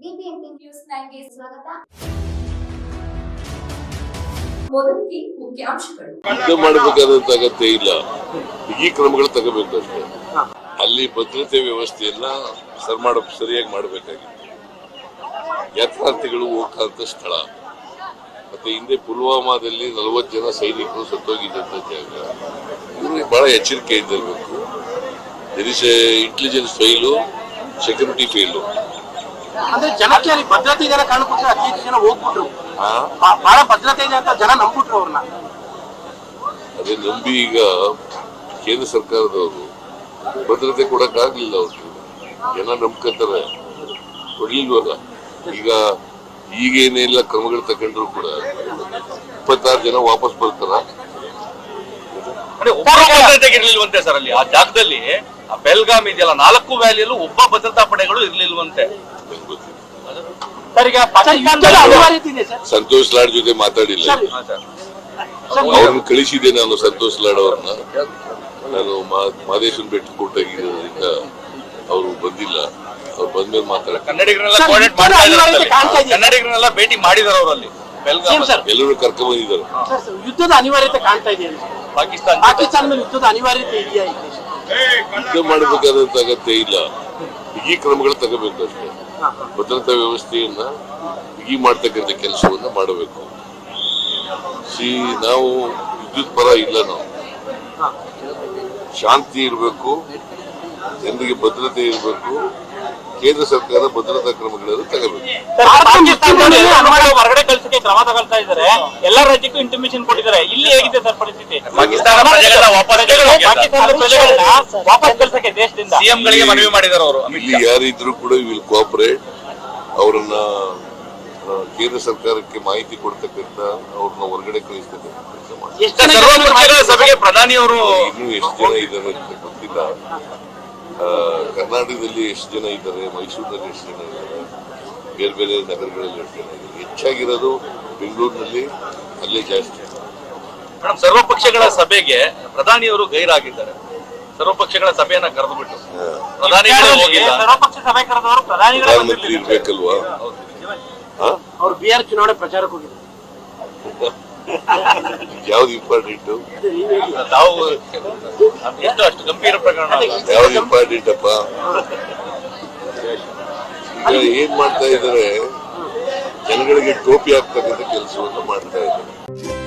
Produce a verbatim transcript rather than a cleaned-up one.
BBMP news ನೈನ್ಗೆ ಸ್ವಾಗತ. ಮೊದಲಿಗೆ ಮುಖ್ಯಾಂಶಗಳು. ಯುದ್ಧ ಮಾಡಬೇಕಾದಂತ ಅಗತ್ಯ ಇಲ್ಲ, ಈ ಕ್ರಮಗಳು ತಗೋಬೇಕಷ್ಟೇ. ಅಲ್ಲಿ ಭದ್ರತೆ ವ್ಯವಸ್ಥೆಯನ್ನ ಸರ್ ಮಾಡ ಸರಿಯಾಗಿ ಮಾಡಬೇಕಾಗಿತ್ತು. ಯಾತ್ರಾರ್ಥಿಗಳು ಹೋಗಂತ ಸ್ಥಳ, ಮತ್ತೆ ಹಿಂದೆ ಪುಲ್ವಾಮಾದಲ್ಲಿ ನಲವತ್ತು ಜನ ಸೈನಿಕರು ಸತ್ತೋಗಿದ್ದಂತ ಜಾಗ. ಇವರು ಬಹಳ ಎಚ್ಚರಿಕೆ ಇದ್ದಿರಬೇಕು. There is intelligence file, security file. ಅಂದ್ರೆ ಜನಕ್ಕೆ ಅಲ್ಲಿ ಭದ್ರತೆ ಇದೆ ಕಾರಣಕ್ಕೋಸ್ಕರ ಅತಿ ಹೆಚ್ಚು ಜನ ಹೋಗ್ಬಿಟ್ರು. ಬಹಳ ಭದ್ರತೆ ಇದೆ ಅಂತ ಜನ ನಂಬಿಟ್ರು ಅವ್ರನ್ನ. ಅದೇ ನಂಬಿ ಈಗ ಕೇಂದ್ರ ಸರ್ಕಾರದವರು ಭದ್ರತೆ ಕೊಡಕ್ ಆಗ್ಲಿಲ್ಲ. ಅವ್ರಿಗೆ ಜನ ನಂಬ್ಕೊತಾರೆ, ಕೊಡ್ಲಿಲ್ವಲ್ಲ. ಈಗ ಈಗೇನೆಲ್ಲ ಕ್ರಮಗಳು ತಗೊಂಡ್ರು ಕೂಡ ಇಪ್ಪತ್ತಾರು ಜನ ವಾಪಸ್ ಬರ್ತಾರ. ಇರ್ಲಿಲ್ವಂತೆ ಸರ್ ಅಲ್ಲಿ ಆ ಜಾಗದಲ್ಲಿ. ಆ ಬೆಲ್ಗಾಮ್ ಇದೆಯಲ್ಲ, ನಾಲ್ಕು ವ್ಯಾಲಿಯಲ್ಲೂ ಒಬ್ಬ ಭದ್ರತಾ ಪಡೆಗಳು ಇರ್ಲಿಲ್ವಂತೆ. ಸಂತೋಷ್ ಲಾಡ್ ಜೊತೆ ಮಾತಾಡಿಲ್ಲ, ಅವ್ರನ್ನ ಕಳಿಸಿದೆ ನಾನು. ಸಂತೋಷ್ ಲಾಡ್ ಅವ್ರನ್ನ ನಾನು ಮಾದೇಶನ್ ಭೇಟಿ ಕೊಟ್ಟಾಗಿರೋದ್ರಿಂದ ಅವರು ಬಂದಿಲ್ಲ. ಅವ್ರು ಬಂದ್ಮೇಲೆ ಮಾತಾಡ ಕನ್ನಡಿಗರನ್ನೆಲ್ಲ ಭೇಟಿ ಮಾಡಿದಾರೆ ಅವರಲ್ಲಿ. ಎಲ್ಲರೂ ಕರ್ಕೊಂಡ್ ಬಂದಿದ್ದಾರೆ. ಯುದ್ಧದ ಅನಿವಾರ್ಯತೆ ಕಾಣ್ತಾ ಇದೆ ಪಾಕಿಸ್ತಾನ ಪಾಕಿಸ್ತಾನ ಮೇಲೆ ಯುದ್ಧದ ಅನಿವಾರ್ಯತೆ ಇದೆಯಾ? ಯುದ್ಧ ಮಾಡಬೇಕಾದಂತ ಅಗತ್ಯ ಇಲ್ಲ, ಬಿಗಿ ಕ್ರಮಗಳು ತಗೋಬೇಕಷ್ಟೇ. ಭದ್ರತಾ ವ್ಯವಸ್ಥೆಯನ್ನ ಬಿಗಿ ಮಾಡ್ತಕ್ಕಂಥ ಕೆಲಸವನ್ನ ಮಾಡಬೇಕು. ಸಿ ನಾವು ವಿದ್ಯುತ್ ಪರ ಇಲ್ಲ, ನಾವು ಶಾಂತಿ ಇರಬೇಕು, ಜನರಿಗೆ ಭದ್ರತೆ ಇರಬೇಕು. ಕೇಂದ್ರ ಸರ್ಕಾರ ಭದ್ರತಾ ಕ್ರಮಗಳನ್ನು ತಗೋಬೇಕು. ಹೊರಗಡೆ ಕಳಿಸಕ್ಕೆ ಕ್ರಮ ತಗೊಳ್ತಾ ಇದ್ದಾರೆ. ಎಲ್ಲ ರಾಜ್ಯಕ್ಕೂ ಇಂಟಿಮೇಷನ್ ಕೊಟ್ಟಿದ್ದಾರೆ. ಇಲ್ಲಿ ಹೇಗಿದೆ ಸರ್ ಪರಿಸ್ಥಿತಿ? ಪಾಕಿಸ್ತಾನ ವಾಪಸ್ ಕಳಿಸಕ್ಕೆ ದೇಶದಿಂದ ಸಿಎಂ ಗಳಿಗೆ ಮನವಿ ಮಾಡಿದ್ದಾರೆ ಅವರು. ಇಲ್ಲಿ ಯಾರಿದ್ರು ಕೂಡ ವಿಲ್ ಕೋಆಪರೇಟ್. ಅವರನ್ನ ಕೇಂದ್ರ ಸರ್ಕಾರಕ್ಕೆ ಮಾಹಿತಿ ಕೊಡ್ತಕ್ಕಂಥ, ಅವ್ರನ್ನ ಹೊರಗಡೆ ಕಳಿಸ್ತಕ್ಕಂಥ ಕೆಲಸ ಮಾಡಿ. ಸಭೆಗೆ ಪ್ರಧಾನಿ ಅವರು ಇನ್ನೂ ಎಷ್ಟು ಜನ ಇದ್ದಾರೆ ಅಂತ ಗೊತ್ತಿಲ್ಲ. ಕರ್ನಾಟಕದಲ್ಲಿ ಎಷ್ಟು ಜನ ಇದ್ದಾರೆ, ಮೈಸೂರಿನಲ್ಲಿ ಎಷ್ಟು ಜನ ಇದ್ದಾರೆ, ಬೇರೆ ಬೇರೆ ನಗರಗಳಲ್ಲಿ ಎಷ್ಟು ಜನ ಇದ್ದಾರೆ. ಹೆಚ್ಚಾಗಿರೋದು ಬೆಂಗಳೂರಿನಲ್ಲಿ, ಅಲ್ಲೇ ಜಾಸ್ತಿ. ಮೇಡಮ್, ಸರ್ವಪಕ್ಷಗಳ ಸಭೆಗೆ ಪ್ರಧಾನಿಯವರು ಗೈರಾಗಿದ್ದಾರೆ. ಸರ್ವಪಕ್ಷಗಳ ಸಭೆಯನ್ನ ಕರೆದು ಬಿಟ್ಟು ಪ್ರಧಾನಿಗಳು ಹೋಗಿಲ್ಲ. ಸರ್ವಪಕ್ಷ ಸಭೆ ಕರೆದವರು ಪ್ರಧಾನಮಂತ್ರಿ ಇರ್ಬೇಕಲ್ವಾ? ಅವ್ರು ಬಿಹಾರ್ ಚುನಾವಣೆ ಪ್ರಚಾರಕ್ಕೆ ಹೋಗಿದ್ದಾರೆ. ಯಾವ್ದು ಇಂಪಾರ್ಟೆಂಟ್? ತಾವು ಎಷ್ಟು ಅಷ್ಟು ಗಂಭೀರ ಪ್ರಕರಣ. ಯಾವ್ದು ಇಂಪಾರ್ಟೆಂಟ್ ಅಪ್ಪ? ಈಗ ಏನ್ ಮಾಡ್ತಾ ಇದ್ದಾರೆ, ಜನಗಳಿಗೆ ಟೋಪಿ ಹಾಕ್ತಕ್ಕಂಥ ಕೆಲಸವನ್ನು ಮಾಡ್ತಾ ಇದ್ದಾರೆ.